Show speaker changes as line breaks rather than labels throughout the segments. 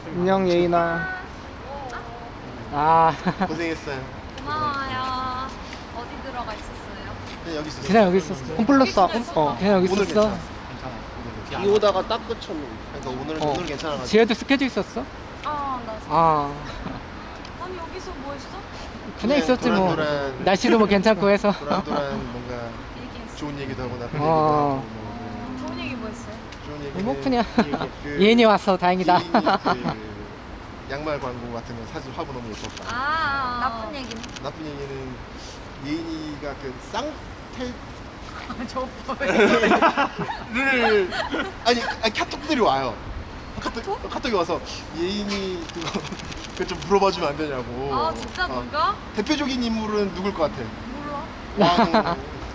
안녕 예인아. 아
고생했어요.
고마워요. 어디 들어가 있었어요?
그냥 여기 있었어요.
그냥 여기 있었어. 홈플러스 그냥 여기
오늘
있었어.
괜찮았어.
비 오다가 딱 그쳤는데.
그러니까 오늘
어.
오늘 괜찮아가지고.
지혜도 스케줄 있었어?
아, 나
아
아니 여기서 뭐 했어?
그냥 있었지 뭐.
도란도란,
날씨도 뭐 괜찮고 해서.
도란도란 뭔가
얘기했어.
좋은 얘기도 하고 나쁜 얘기도
어.
하고 뭐
좋은 얘기 뭐 했어요?
좋은 얘기는
뭐 그냥
그
예인이 와서 다행이다.
예인이 그 양말 광고 같은 거 사진 화보 너무 예뻤다.
나쁜 얘기는?
나쁜 얘기는 예인이가 그 쌍태
저
를 아니 카톡들이 와요. 카톡이 와서 예인이 그거 좀 물어봐주면 안 되냐고.
아 진짜 누가?
대표적인 인물은 누굴 것 같아?
몰라.
왕.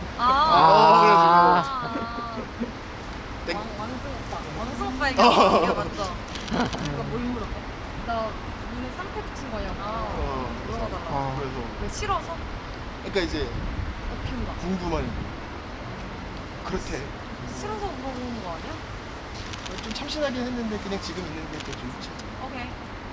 아.
땡.
왕승 오빠 얘기가 맞죠? 그러니까 뭘 물어봐? 나 눈에 쌍태 붙인 거냐고 물어봐달라.
그래서
왜 싫어서?
그러니까 이제
키운다.
궁금한. 그렇대.
싫어서 물어보는 거 아니야?
좀 참신하긴 했는데 그냥 지금 있는 게 더 좋지.
오케이.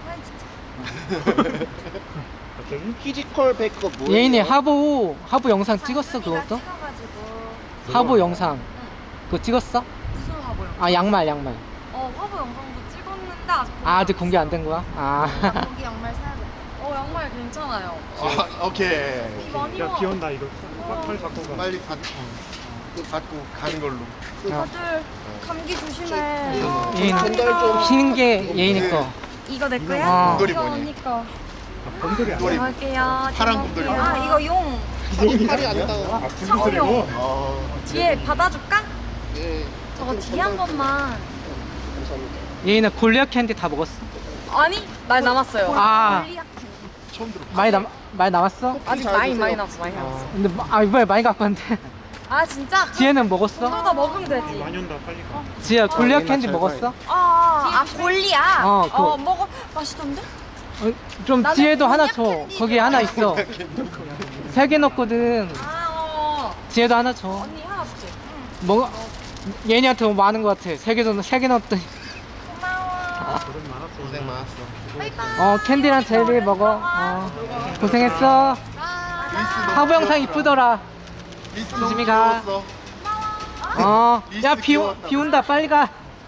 아니 진짜.
피지컬 백업 뭐예요?
예인이 하부 영상 찍었어 그것도?
찍어가지고.
하부 영상 그거 찍었어?
무슨 화보 영상?
아 양말.
화보 영상도 찍었는데 아직
아 아직 공개 안 된 거야? 아
거기 양말 사야겠다. 양말 괜찮아요.
오케이.
비 많이
야,
와.
비 온다 이거. 빨리 갖고 가.
빨리 받고 가는 걸로.
다들 감기 조심해.
예인
전달 좀.
흰 게 예인이 거.
이거 내 거야?
어.
곰돌이
이거
뭐니?
언니 거.
곰돌이
곰돌이.
할게요.
파란 곰돌이.
아 이거 용.
팔이 안 닿아.
아, 곰돌이고?
뒤에 받아줄까?
네.
저거 뒤에 한 번만.
감사합니다.
예인아 골리앗 캔디 다 먹었어?
아니 많이 남았어요.
아.
처음 들어.
많이 남았어?
아직
잘
많이
드세요.
남았어.
근데 이번에 많이 갖고 왔는데.
아 진짜?
지혜는 먹었어?
더 먹으면 되지.
많이 온다, 빨리 가.
지혜야 골리앗 캔디
잘
먹었어?
골리야?
그거.
먹어. 맛있던데?
좀
나는
지혜도 하나
골리앗
줘.
캔디
거기 하나 있어. 3개 넣었거든. 지혜도 하나 줘.
언니 하나 주지.
뭐 예인이한테 너무 많은 것 같아. 3개 넣었더니.
고마워.
고생 많았어.
고생 많았어.
바이바이.
캔디랑 젤리 먹어. 고생했어. 하부 영상 이쁘더라.
리스
조심히
너무
가.
귀여웠어.
야 비 온다 빨리 가.